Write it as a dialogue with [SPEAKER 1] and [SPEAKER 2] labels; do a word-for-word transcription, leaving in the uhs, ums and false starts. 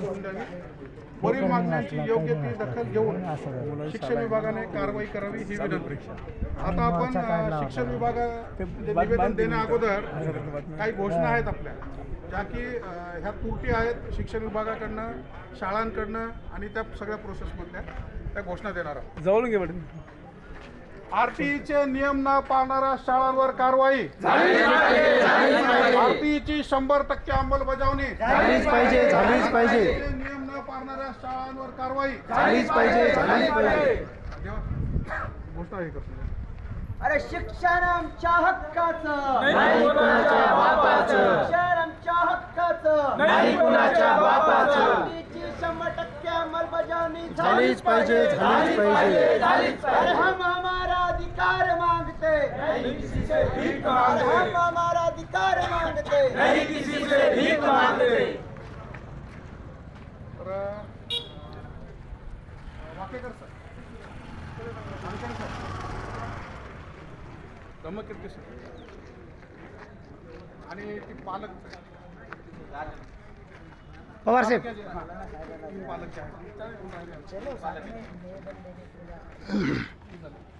[SPEAKER 1] करून द्यावी. वरील मागण्यांची योग्य ती दखल घेऊन शिक्षण विभागाने कारवाई करावी ही विनंती. आता आपण अ, शिक्षण विभागाचे निवेदन देण्या अगोदर काही घोषणा आहेत आपल्या, ज्या की अ, ह्या त्रुटी आहेत शिक्षण विभागाकडनं, शाळांकडनं आणि त्या सगळ्या प्रोसेसमधल्या त्या घोषणा देणार आहोत.
[SPEAKER 2] जवळून घे मॅडम.
[SPEAKER 1] आरटीईचे नियम न पाळणाऱ्या शाळांवर कारवाई. आरटीईची शंभर टक्के अंमलबजावणी
[SPEAKER 3] झालीच पाहिजे झालीच पाहिजे
[SPEAKER 1] नियम न पाळणाऱ्या शाळांवर कारवाई
[SPEAKER 3] झालीच पाहिजे झालीच पाहिजे
[SPEAKER 1] घोषणा हे करतो.
[SPEAKER 4] अरे शिक्षण आमच्या हक्काचं
[SPEAKER 3] नाही कुणाच्या बापाचं
[SPEAKER 4] शिक्षण आमच्या हक्काचं
[SPEAKER 3] नाही कुणाच्या बापाचं
[SPEAKER 4] आरटीईची शंभर टक्के अंमलबजावणी
[SPEAKER 3] झालीच पाहिजे झालीच पाहिजे
[SPEAKER 4] अरे हम हमारा अधिकार मांगते अरे हम हमारा अधिकार मांगते
[SPEAKER 3] नहीं किसी से भीख मांगते.
[SPEAKER 1] तर Wakekar sir, Wakekar sir, Dhammakirti sir आणि ती पालक
[SPEAKER 3] पवार साहेब
[SPEAKER 1] पालक जे आहेत